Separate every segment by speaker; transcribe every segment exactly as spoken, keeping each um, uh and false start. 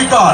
Speaker 1: অঙ্গীকার,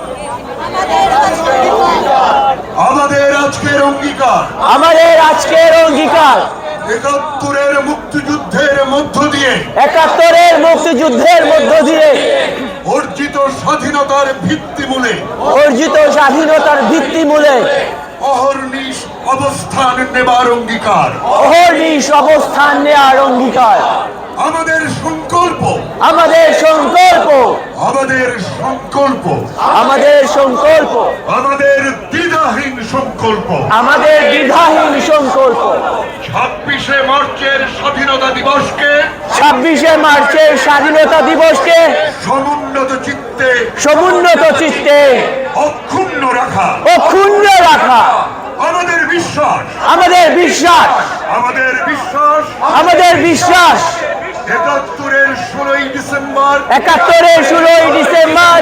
Speaker 1: আমাদের আজকের অঙ্গীকার,
Speaker 2: আমাদের আজকের অঙ্গীকার
Speaker 1: একাত্তরের মুক্তিযুদ্ধের মধ্য দিয়ে
Speaker 2: একাত্তরের মুক্তিযুদ্ধের মধ্য দিয়ে
Speaker 1: অর্জিত স্বাধীনতার ভিত্তিমূলে
Speaker 2: অর্জিত স্বাধীনতার ভিত্তিমূলে
Speaker 1: অহর্নিশ অবস্থান নেবার অঙ্গীকার,
Speaker 2: অহর্নিশ অবস্থান নেওয়ার অঙ্গীকার।
Speaker 1: আমাদের সংকল্প,
Speaker 2: আমাদের সংকল্প,
Speaker 1: আমাদের সংকল্প,
Speaker 2: আমাদের সংকল্প,
Speaker 1: আমাদের দ্বিধাহীন সংকল্প।
Speaker 2: আমাদের দ্বিধাহীন সংকল্প
Speaker 1: ছাব্বিশে মার্চের স্বাধীনতা দিবসকে
Speaker 2: ছাব্বিশে মার্চের স্বাধীনতা দিবসকে
Speaker 1: সমুন্নত চিত্তে
Speaker 2: সমুন্নত চিত্তে
Speaker 1: অক্ষুণ্ণ রাখা,
Speaker 2: অক্ষুণ্ণ রাখা।
Speaker 1: আমাদের বিশ্বাস,
Speaker 2: আমাদের বিশ্বাস,
Speaker 1: আমাদের বিশ্বাস
Speaker 2: আমাদের বিশ্বাস
Speaker 1: একাত্তরের ষোলোই ডিসেম্বর
Speaker 2: একাত্তরের ষোলোই ডিসেম্বর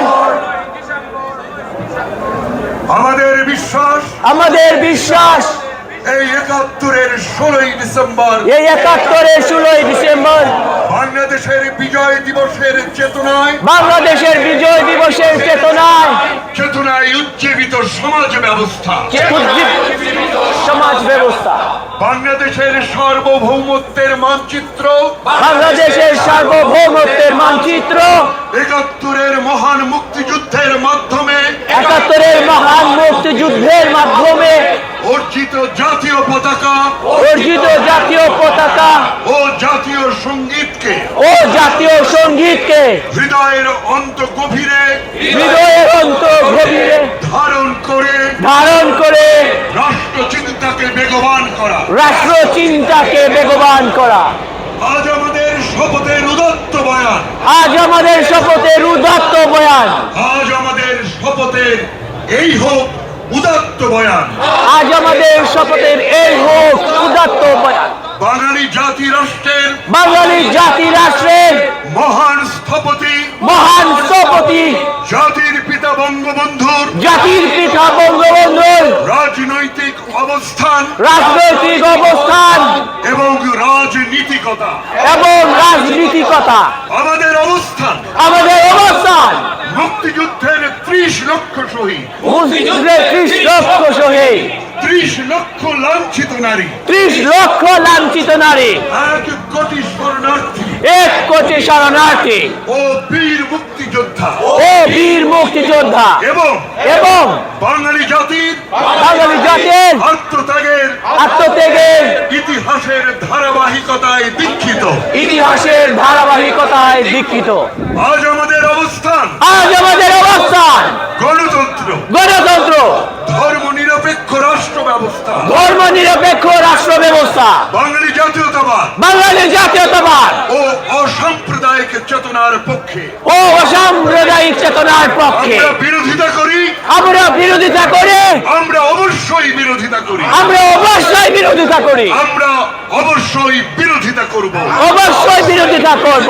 Speaker 1: আমাদের বিশ্বাস
Speaker 2: আমাদের বিশ্বাস
Speaker 1: এই একাত্তরের ষোলোই ডিসেম্বর
Speaker 2: এই একাত্তরের ষোলোই ডিসেম্বর
Speaker 1: বাংলাদেশের বিজয় দিবসের চেতনায়
Speaker 2: বাংলাদেশের বিজয় দিবসের চেতনায়
Speaker 1: চেতনায় উজ্জীবিত সমাজ ব্যবস্থা,
Speaker 2: উজ্জীবিত সমাজ ব্যবস্থা,
Speaker 1: বাংলাদেশের সার্বভৌমত্বের মানচিত্র,
Speaker 2: বাংলাদেশের সার্বভৌমত্বের মানচিত্র,
Speaker 1: একাত্তরের মহান মুক্তিযুদ্ধের মাধ্যমে
Speaker 2: একাত্তরের মহান মুক্তিযুদ্ধের মাধ্যমে
Speaker 1: অর্জিত জাতীয় পতাকা
Speaker 2: অর্জিত জাতীয় পতাকা
Speaker 1: ও জাতীয় সঙ্গীতকে
Speaker 2: ও জাতীয় সঙ্গীতকে
Speaker 1: হৃদয়ের অন্ত গভীরে
Speaker 2: হৃদয়ের অন্তর গভীরে
Speaker 1: ধারণ করে
Speaker 2: ধারণ করে
Speaker 1: রাষ্ট্র চিন্তাকে বেগবান করা।
Speaker 2: রাষ্ট্র চিন্তাকে বেগবান করা।
Speaker 1: আজ আমাদের শপথের উদাত্ত বয়ান,
Speaker 2: আজ আমাদের শপথের উদাত্ত বয়ান,
Speaker 1: আজ আমাদের শপথের এই হোক উদাত্ত বয়ান,
Speaker 2: আজ আমাদের শপথের এই হোক উদাত্ত বয়ান।
Speaker 1: বাঙালি জাতি রাষ্ট্রের
Speaker 2: বাঙালি জাতি রাষ্ট্রের
Speaker 1: মহান স্থপতি,
Speaker 2: মহান স্থপতি,
Speaker 1: জাতির পিতা বঙ্গবন্ধুর
Speaker 2: জাতির পিতা বঙ্গবন্ধুর
Speaker 1: রাজনৈতিক অবস্থান
Speaker 2: রাজনৈতিক অবস্থান
Speaker 1: এবং রাজনীতিকতা,
Speaker 2: এবং রাজনীতিকতা,
Speaker 1: আমাদের অবস্থান,
Speaker 2: আমাদের অবস্থান
Speaker 1: মুক্তিযুদ্ধের ত্রিশ লক্ষ শহীদ,
Speaker 2: মুক্তিযুদ্ধের ত্রিশ লক্ষ শহীদ,
Speaker 1: ত্রিশ লক্ষ লাঞ্ছিত নারী,
Speaker 2: ত্রিশ লক্ষ লাঞ্ছিত নারী,
Speaker 1: এক কোটি শরণার্থী
Speaker 2: এক কোটি শরণার্থী
Speaker 1: ও বীর মুক্তিযোদ্ধা
Speaker 2: ও বীর মুক্তিযোদ্ধা
Speaker 1: এবং
Speaker 2: এবং
Speaker 1: বাঙালি জাতির
Speaker 2: বাঙালি জাতির
Speaker 1: আত্মত্যাগের
Speaker 2: আত্মত্যাগের
Speaker 1: ইতিহাসের ধারাবাহিকতায় দীক্ষিত।
Speaker 2: ইতিহাসের ধারাবাহিকতায় দীক্ষিত।
Speaker 1: আজ আমাদের অবস্থান,
Speaker 2: আজ আমাদের অবস্থান
Speaker 1: গণতন্ত্র,
Speaker 2: গণতন্ত্র,
Speaker 1: ধর্ম নিরপেক্ষ রাষ্ট্র ব্যবস্থা,
Speaker 2: ধর্ম নিরপেক্ষ রাষ্ট্র ব্যবস্থা,
Speaker 1: বাঙালি জাতীয়তাবাদ
Speaker 2: বাঙালি জাতীয়তাবাদ
Speaker 1: ও অসাম্প্রদায়িক চেতনার পক্ষে।
Speaker 2: ও অসাম্প্রদায়িক চেতনার পক্ষে
Speaker 1: আমরা বিরোধিতা করি,
Speaker 2: আমরা বিরোধিতা করে
Speaker 1: আমরা অবশ্যই বিরোধিতা করি,
Speaker 2: আমরা অবশ্যই বিরোধিতা করি,
Speaker 1: আমরা অবশ্যই বিরোধিতা করব
Speaker 2: অবশ্যই বিরোধিতা করব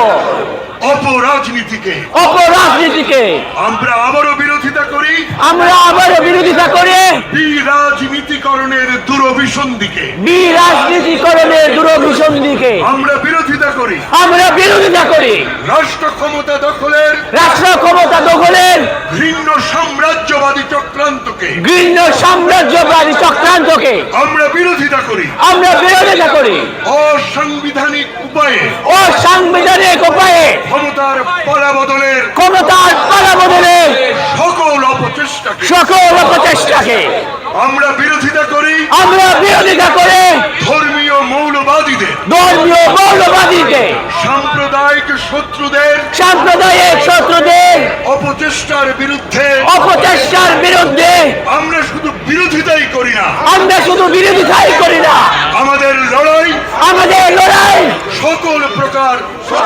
Speaker 1: অপরাজনীতিকে।
Speaker 2: অপরাজনীতিকে
Speaker 1: আমরা আবারও বিরোধিতা করি
Speaker 2: আমরা আবারও বিরোধিতা করে
Speaker 1: বিরাজনীতিকরণের দুরভিসন্ধিকে।
Speaker 2: বিরাজনীতিকরণের দূরভিসন্ধিকে
Speaker 1: আমরা বিরোধিতা করি
Speaker 2: আমরা বিরোধিতা করি
Speaker 1: রাষ্ট্র ক্ষমতা দখলের
Speaker 2: রাষ্ট্র ক্ষমতা দখলের
Speaker 1: ঘৃণ্য সাম্রাজ্যবাদী চক্রান্তকে।
Speaker 2: ঘৃণ্য সাম্রাজ্যবাদী চক্রান্তকে
Speaker 1: আমরা বিরোধিতা করি
Speaker 2: আমরা বিরোধিতা করি
Speaker 1: অসাংবিধানিক উপায়ে
Speaker 2: অসাংবিধানিক উপায়ে
Speaker 1: ক্ষমতার পালাবদলের
Speaker 2: ক্ষমতার পালাবদলের
Speaker 1: সকল অপচেষ্টাকে।
Speaker 2: সকল অপচেষ্টাকে
Speaker 1: আমরা বিরোধিতা করি
Speaker 2: আমরা বিরোধিতা করে
Speaker 1: ধর্মীয় মৌলবাদীদের,
Speaker 2: ধর্মীয় মৌলবাদীকে,
Speaker 1: সাম্প্রদায়িক শত্রুদের
Speaker 2: সাম্প্রদায়িক শত্রুদের
Speaker 1: অপচেষ্টার বিরুদ্ধে।
Speaker 2: অপচেষ্টার বিরুদ্ধে
Speaker 1: আমরা শুধু বিরোধিতাই করি না,
Speaker 2: আমরা শুধু বিরোধিতাই করি না,
Speaker 1: আমাদের লড়াই
Speaker 2: আমাদের লড়াই
Speaker 1: সকল প্রকার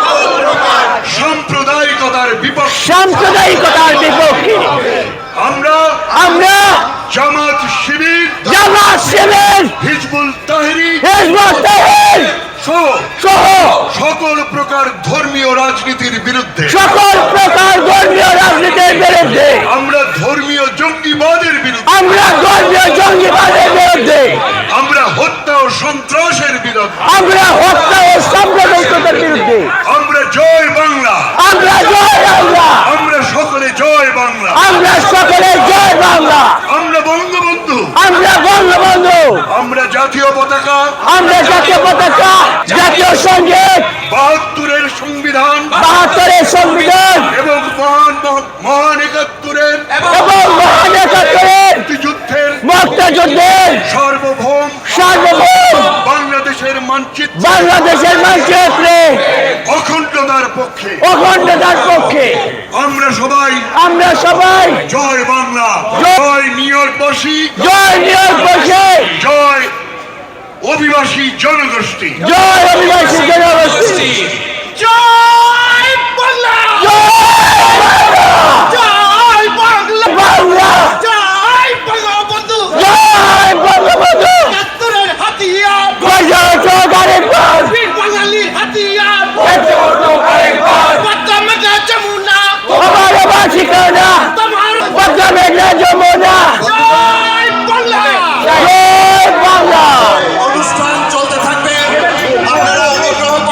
Speaker 1: সাম্প্রদায়িকতার বিপক্ষে।
Speaker 2: সাম্প্রদায়িকতার বিপক্ষে।
Speaker 1: আমরা
Speaker 2: আমরা
Speaker 1: জামাত শিবির,
Speaker 2: জামাত শিবির,
Speaker 1: হিজবুল তাহরির
Speaker 2: হিজবুত তাহরির
Speaker 1: সহ
Speaker 2: সহ
Speaker 1: সকল প্রকার ধর্মীয় রাজনীতির বিরুদ্ধে।
Speaker 2: সকল প্রকার ধর্মীয় রাজনীতির বিরুদ্ধে।
Speaker 1: আমরা ধর্মীয় জঙ্গিবাদের বিরুদ্ধে।
Speaker 2: আমরা ধর্মীয় জঙ্গিবাদের বিরুদ্ধে।
Speaker 1: আমরা হত্যা ও সন্ত্রাসের বিরুদ্ধে।
Speaker 2: আমরা হত্যা ও সাম্প্রদায়িকতার বিরুদ্ধে।
Speaker 1: আমরা জয় বাংলা,
Speaker 2: আমরা জয় বাংলা,
Speaker 1: আমরা সকলে জয় বাংলা।
Speaker 2: আমরা সকলে জয় বাংলা।
Speaker 1: আমরা বঙ্গবন্ধু,
Speaker 2: আমরা বঙ্গবন্ধু,
Speaker 1: আমরা জাতীয় পতাকা,
Speaker 2: আমরা জাতীয় পতাকা, জাতীয় সঙ্গীত,
Speaker 1: বাহাত্তরের সংবিধান
Speaker 2: বাহাত্তরের সংবিধান
Speaker 1: এবং মহান মহান একাত্তরের
Speaker 2: এবং মহান একাত্তরের
Speaker 1: মুক্তিযুদ্ধের
Speaker 2: মুক্তিযুদ্ধের
Speaker 1: সার্বভৌম
Speaker 2: সার্বভৌম
Speaker 1: বাংলাদেশের মানচিত্র
Speaker 2: বাংলাদেশের মানচিত্রে
Speaker 1: অখণ্ডতার পক্ষে
Speaker 2: অখণ্ডতার পক্ষে
Speaker 1: আমরা সবাই
Speaker 2: আমরা সবাই
Speaker 1: জয় বাংলা, জয় নিউ ইয়র্কবাসী,
Speaker 2: জয় নিউ ইয়র্কবাসী,
Speaker 1: জয় অভিবাসী জনগোষ্ঠী।
Speaker 2: জয় অভিবাসী জনগোষ্ঠী, জয়